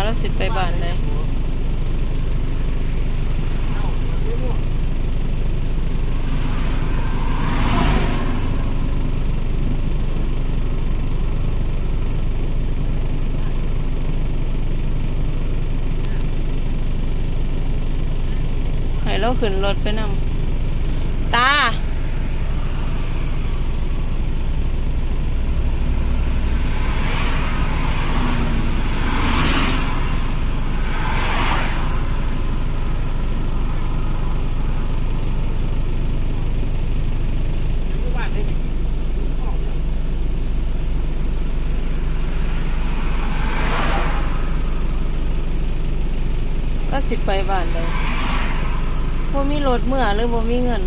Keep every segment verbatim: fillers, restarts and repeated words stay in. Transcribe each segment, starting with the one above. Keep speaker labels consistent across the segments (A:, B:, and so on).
A: แล้วสิไปบ้านเลยให้เราขึ้นรถไปนำตาแล้วสิไปบ้านเลยบ่มีรถเมื่อหรือบ่มีเงิน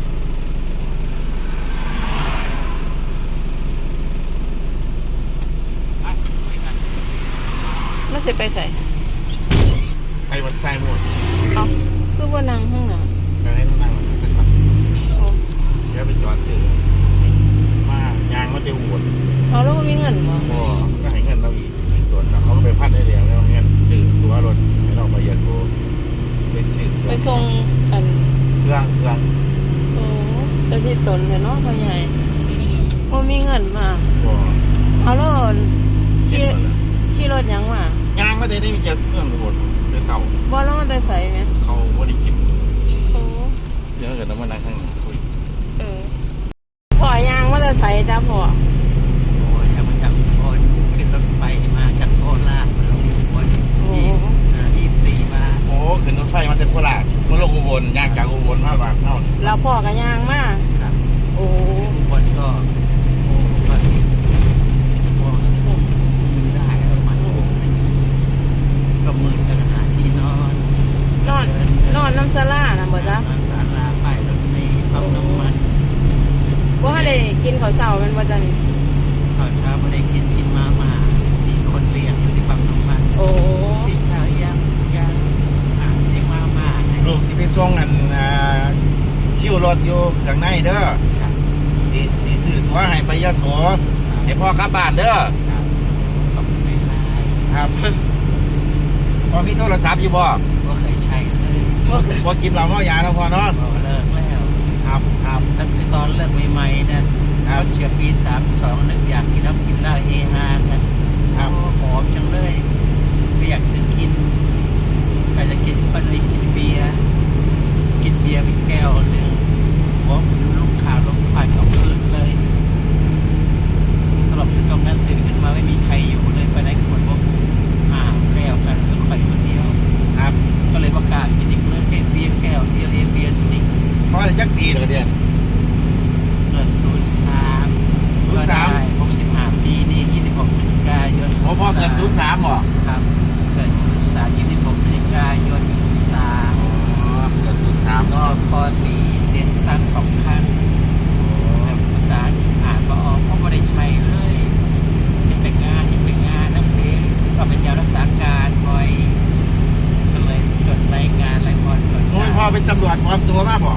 A: แล้วสิไปใส่
B: ไปวัดไซหมด
A: เอาคือบ่นั่งข้างหน้า
B: จะให้นั่งขึ้นมา
A: โอ้
B: เดี๋ยวไปจอดซื้อมายางมันจะอวด
A: เอาแล้วบ่มีเงินบ่
B: โอ้ก็ให้เงินเราอีกอีกตัวแล้วเขาก็ไปพัดได้แล้วแล้วเงินซื้อตัวรถให้เราไปยาโซเป็นซื้อ
A: ไปส่งอัน
B: เครื่องเครื่อง
A: โอ้แต่ที่ตนเนี่ยเนาะพ่อใหญ่บ่มีเงินมา
B: บ่
A: เอาแล้วขี่ขี่รถหยังมาย
B: างไม่ได้ได้มีเจอเครื่องรถไปเศร้า
A: บ่แล้วมันแต่ใส่แม่
B: เขาบ่ได้กิน
A: โอ้
B: เดี๋ยวเกิดน้ำมันนั่งข้างหน้าคุย
A: เออพ่อยางมันแต่ใส่จ้าพ่อ
C: โอ้ยจะมาจากโอนขึ้นรถไฟมาจากโคราชมาลงที่อุบลยี่สิบยี่สิบสี่บาท
B: โอ้ขึ้นรถไฟมาจากโคราชมาลงอุบลยางจากอุบลมาบางเท่า
A: แล้วพ่อก็ยางมา
C: ครับ
A: โอ้
C: อุบลก็โอ้ก็โอ้ทุ่มถึงได้ประมาณทุ่มหนึ่งก็มืดกันหาที่นอน
A: นอนนอนน้ำซาลานะบ่จ๊ะ
C: นอนศาลาไปรถเมล์ปั๊มน้ำมัน
A: บ่ให้ได้กินข้าวเช้าแม่นบ่จ๊ะนี่
C: ข้าวเช้าไม่ได้กินกินมาม่ามีคนเลี้ยงอยู่ที่ปั๊มน้ำมัน
A: โอ้
C: ที่เช้ายังยังอ่านเรียกมาม่า
B: ลูกสิไปส่งอันคิวรถอยู่ข้างในเด้อสีสีสื่อตัวให้ไปยะโสให้พ่อกลับบ้านเด้อ
C: ขอบคุณหลาย
B: ครับพอมีโทรศัพท์อยู่บ่
C: ก็เคยใช้เลย
B: พอกินเหล้าเมายาแล้วพอเนาะ
C: เลิกแล้ว
B: ครับครับ
C: ตั้งแต่ตอนเลิกใหม่ๆนั่นเขาเชียร์ปีสามสองหนึ่งอยากกินน้ำกินเหล้าเฮฮากันครับหอมจังเลยไม่อยากจะกินใครจะกินก็เลยกินเบียร์กินเบียร์เป็นแก้วหนึ่งหัวลูกขาลูกไฟของคืนเลยสลบอยู่ตรงนั้นตื่นขึ้นมาไม่มีใครอยู่เลยไปไหนคนพวกอ่าแล้วกันเหลือใครคนเดียว
B: ครับ
C: ก็เลยประกาศกินอีกเรื่องแค่เบียร์แก้วเดียวเอเบียร์สิง
B: พอได้จักปีเลยเดียว
C: เกิดศูนย์สาม
B: ศูนย์สาม
C: หกสิบห้าปีนี่ยี่สิบหกพฤศจิกายน
B: โอ้พ่อเกิดศูนย์สามเหรอ
C: ครับเกิดศูนย์สามยี่สิบหกพฤศจิกายนศูนย์สาม
B: อ๋อเกิดศูนย์สาม
C: ก็ปสี่เรียนสั้นสองพันแต่ภาษาอ่านก็ออกเพราะไม่ได้ใช้เลยเป็นแต่งานเป็นงานนักเรียนก็เป็นยารักษาการคอยก็เลยจดรายงานรายพรจด
B: โอ้ยพ่อเป็นตำรวจปลอมตัวมากบ่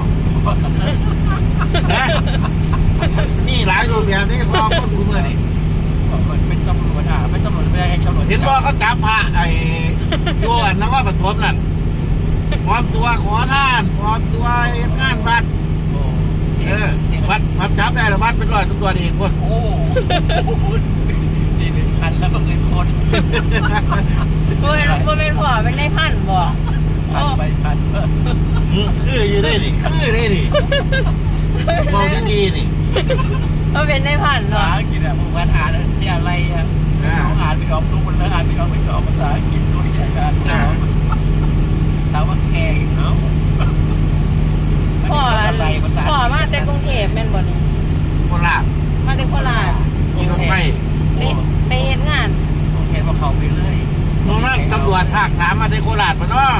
B: นะนี่หลายรูปแบบนี้พ่อคนกูเมื่อนี่
C: เป็นตำรวจอ่ะเป็นตำรวจไม่ได้ให้ตำรวจ
B: เห็นว่าเขาจับพระไอ้ยวนนครปฐมนั่นปลอมตัวขอทานปลอมตัวงานวัดเออวัดวัดจับได้หรือวัดเป็นร้อยตำรวจอีกคน
C: โอ้นี่เป็นพันแล้วก็เป็นคน
A: บ่เป็นบ่เป็นพ่อเป็นนายพันบ่
C: พันไปพัน
B: คืออยู่ได้ดิคือได้ดิมองดีๆนี่
A: ก็เป็นนายพัน
C: ภาษาอังกฤษอ่ะผมว่าอ่านนี่อะไรอ่ะเขาอ่านไม่ออกทุกคนเลยอ่านไม่ออกไม่ออกภาษาอังกฤษด้วยกันถามว่าแกเนาะ
A: พ่ออะไรพ่อมาแต่กรุงเทพแม่นบ่นี่
B: โคราช
A: มาแต่โคราช
B: มีรถไฟ
A: ไปเฮ็ดงาน
C: กรุงเทพมาเข้าไปเลย
B: น้องนั่งตำรวจภาคสามมาในโคราชป่ะเนาะ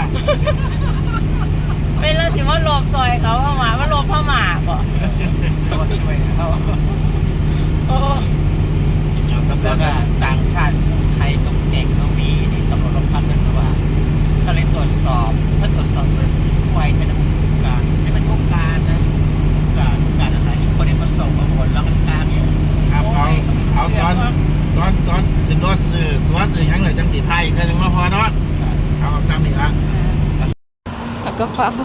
A: เป็นแล้วสิว่าลบซอยเขาเข้ามาว่าลบเข้ามาบ่
C: ก็ช่วยเขา
A: โอ้
C: แล้วก็ต่างชาติไทยต้องเก่งต้องมีนี่ตำรวจโรงพักกันว่าก็เลยตรวจสอบเพื่อตรวจสอบเลยไวจะเป็นผู้การจะเป็นผู้การนะผู้การผู้การอะไรคนที่มาส่งมาหมดแล้วกันกลางเนี่ย
B: ครับเอาเอาตอนตอนตอนขึ้นรถซื้อตัวซื้อยังเลยจังสีไทยอีกคนหนึ่งมาพอเนาะเอาจำนี่ละ
A: แล้วก็ฟัง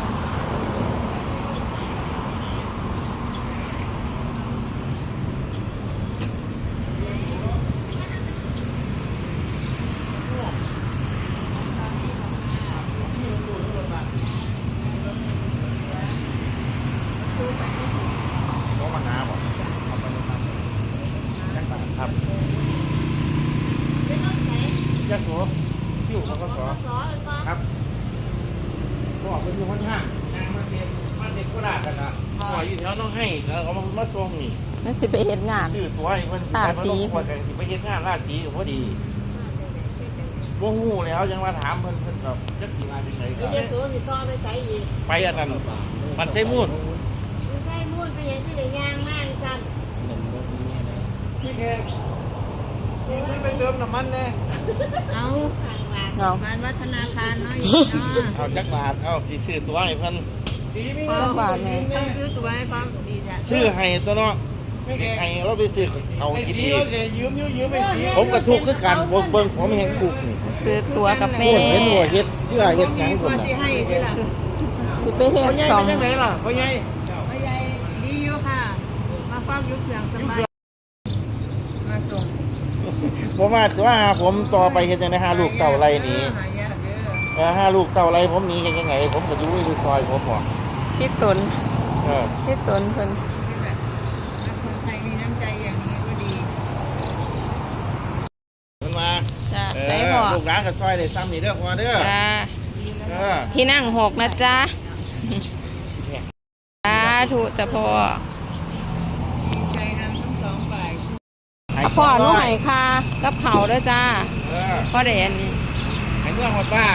B: ต้องมาหาบ่ครับยาโสอยู่เขาก็สอครับบอกเป็นอยู่ข้างห้างนางมาเด็กมาเด็กก็ได้กันนะหอยอยู่แถวน้องให้แล้วเอามามาส่งนี่
A: นั่นสิไปเฮ็ดงาน
B: ซื้อตัวให้เพิ่นสิไปมาลงคนกันสิไปเฮ็ดงานราชสีก็พอดีบ่ฮู้แล้วยังมาถามเพิ่นเพิ่นก็จักสิมาจังได๋
D: เดี๋ยวโสสิต่อไปใส่อีก
B: ไปอันนั้นมันใช้มูด
D: ไม่ใส่มูนไปเห็นที่ไหนย่างมากสั้น
B: พี่แกนี่ไปเติมน้ำมันแน่
D: เอาต่างหาก
A: เอา
D: บ้านวัฒนาคารเนาะอยู่เนาะ
B: เอาจักบาทเอาสิซื้อตัวให้เพิ่นสีมี
A: จักบาทแม่
D: ต้องซื้อตัวให้พร้อมดีจ้ะ
B: ซื้อให้ตัวเนาะให้เราไปซื้อเอากินดี
C: ยืมยืมยืมไปสี
B: ผมก็ทุกข์คือกันเบิ่งเบิ่งผมเห็นทุกข์นี่
A: ซื้อตัวกับแม่
B: โอ้ยเห็นหัวเฮ็ดเพื่อเฮ็ดหยัง
D: ตั
B: พุ่
D: วน
B: น่ะ
D: ที่ให้ดีล่ะ
A: สิไปเฮ็ด
C: พ่อใหญ่
A: สอง
C: เป็นยังไงล่ะพ่อใหญ่
D: พ่อใหญ่ดีอยู่ค่ะ มาเฝ้ายุคเสียงสบายมาส่ง
B: ผมว่าตัวหาผมต่อไปเฮ็ดจังได๋หาลูกเต่าไรหนี
D: หายากเด้อ
B: เออหาลูกเต่าไรผมหนีเฮ็ดจังไงผมก็อยู่ในซอยผมบ่
A: คิดตน
B: เออ
A: คิดตนเพิ่น
D: นี่แหละคนไทยมีน้ำใจอย่างนี้ก็ดี
B: เพิ่นมา
A: จ้า
B: เอ
A: ใส่
B: อ
A: บ่
B: ลูกหลานก็ซอยได้ซ้ำนี่เด้อพอเด้อ
A: จ้า
B: เออ
A: ที่นั่งหกนะจ๊ะสาธุจ้ะพ่อ
D: ดีใจนำทั้งสองฝ่าย
B: ให้
A: พ่อหนู
B: สงร้ย
A: ให้ค่ากับเขาวเด้อจ้า
B: เออ
A: พ่อได้อันนี้
B: ให้เมื่อหมดบ้าน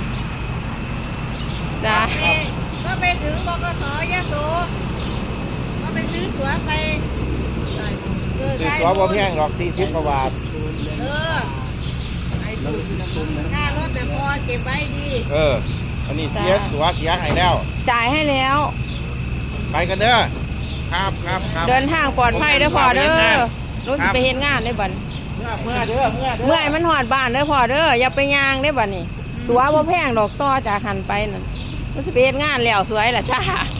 A: จ้า
D: ก็ไปถึงบกสยะโสก็ไปซื้อตั๋วไปเออ
B: ซื้อตัวบ่แพงหรอกสี่สิบกว่าบาท
D: เออไอ้ตู้ค่ารถแต่พอเก็บไว้ดี
B: เออ อันนี้เสียตัวเสียให้แล้ว
A: จ่ายให้แล้ว
B: ไปกันเด้อ ครับครับครับ
A: เดินทางปลอดภัยเด้อพ่อเด้อหนูสิไปเฮ็ดงานได้อบัด
B: เมื่อเมื่อเด้อเมื่อเด้อ
A: เมื่อให้มันหอดบ้านเด้อพ่อเด้ออย่าไปย่างได้อบัดนี้ ตัวบ่แพงดอกต่อจากหันไปนั่นหนูสิไปเฮ็ดงานแล้วสวยล่ะจ้า